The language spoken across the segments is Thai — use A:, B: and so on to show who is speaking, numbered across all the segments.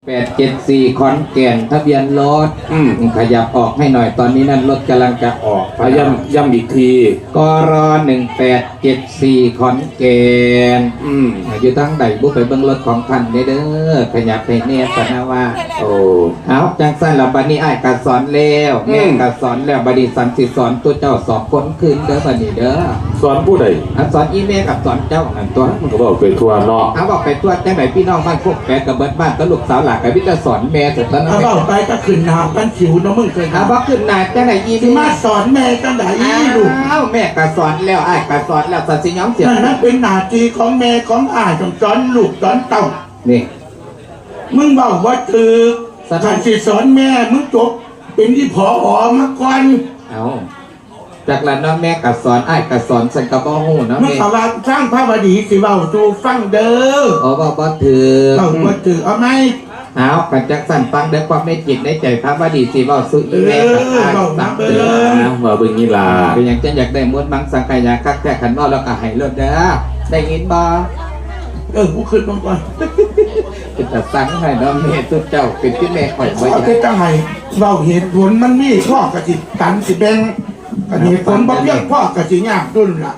A: 874ขอนแก่นทะเบียนรถขยับออกให้หน่อยตอนนี้นั่นรถกำลังจะออก
B: พยายามย้ำอีกที
A: กร1874ขอนแก่นอยู่ทั้งใดบุกไปเบิ้งรถของท่านเด้อขยับไปเนี่ยสนะว่า
B: โอ้
A: เอาจังสั้นแล้วบัดนี้อ้ายกัสอนแล้วแม่กัสอนแล้วบัดนี้สันสิสอนตัวเจ้าสอบคนคืนเด้อบัดนี้เด้อ
B: สอนผู้ใด
A: สอนอีเมลกับสอนเจ้าอันตัว
B: มันก็บอกเป็นทัวร์เนาะ
A: เอาบอกไปตัวจังไหนพี่น้องบ้านพวกแปดกับเบิดบ้านตลูกสาวหลักกับพี่จะสอนแม่สุดแล้วนะ
C: เอาไปก็ขึ้นนาบ้านขิวน้องมึงเคย
A: เอาบอกขึ้นนาจังไหนอีเมล
C: มาสอนแม่จังไหนลูก
A: อ้าวแม่กัสอนแล้วอ้ายกัสอนแล้วสันสิย้อมเสีย
C: นั่นเป็นหน้าที่ของแม่ของอ้ายต้องสอนลูกสอนเต้า
A: นี่
C: มึงบอกว่าคือการสอนแม่มึงจบเป็นที่ผอมาก่อน
A: เอาจากนั้นน้องแม่กัสอนอ้ายกัสอนสันกระบอกหูนะ
C: แม่เขาว่าสร้างพระบดีสิเบาจูฟังเด้อ
A: บอกว่าถือ
C: ว่าถือเอาไหม
A: เอากันจักสั่นฟังด้วยความไม่จิตในใจพระบดีสิเบาสุอีแม่กับอ้ายสังเตือน
B: มาเบิ่งนี่ล่ะ
A: เป็นอย่างจะอยากได้ม้วนมังสังขยาคักแค่ขันว่าแล้วก็ให้เลิศเด้อได้ยินบ่
C: กูขึ้นมาก่อน
A: เป็นแต่สั่งให้น้องเมย์ตัวเจ้าเป็นที่แม่ข่อยไว้
C: เอาไปตั้งให้เราเหตุผลมันมีพ่อกระจิตตันสิแบงเหตุผลบ่เพียงพ่อกระจิยากดุนล่ะ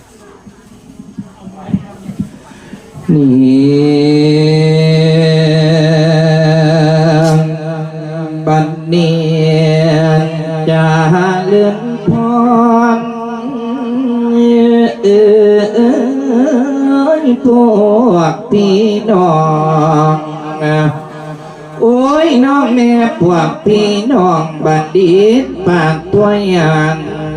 A: นี่บัดนี้จะเลื่อนพรพวกพี่น้องโอ้ยน้องแม่พวกพี่น้องบัดดีปากตัวอย่าง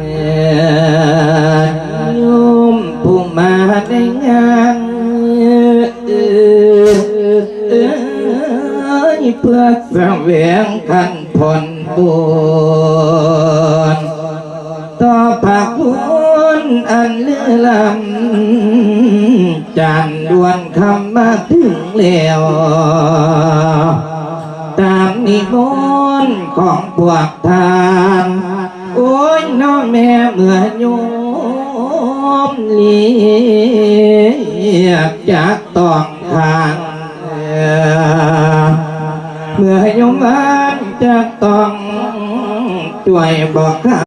A: ยุ่มผู้มาในงานเพื่อแสวงขันผลบุญต่อภาคบุญอันเลื่อล้ำจันดวนคำมาถึงแล้วตามนิมนต์ของพวกทานโอ้ยน้องแม่เมื่อโยมเรียกจากต้องทางเมื่อโยมบ้านจะต้องช่วยบอก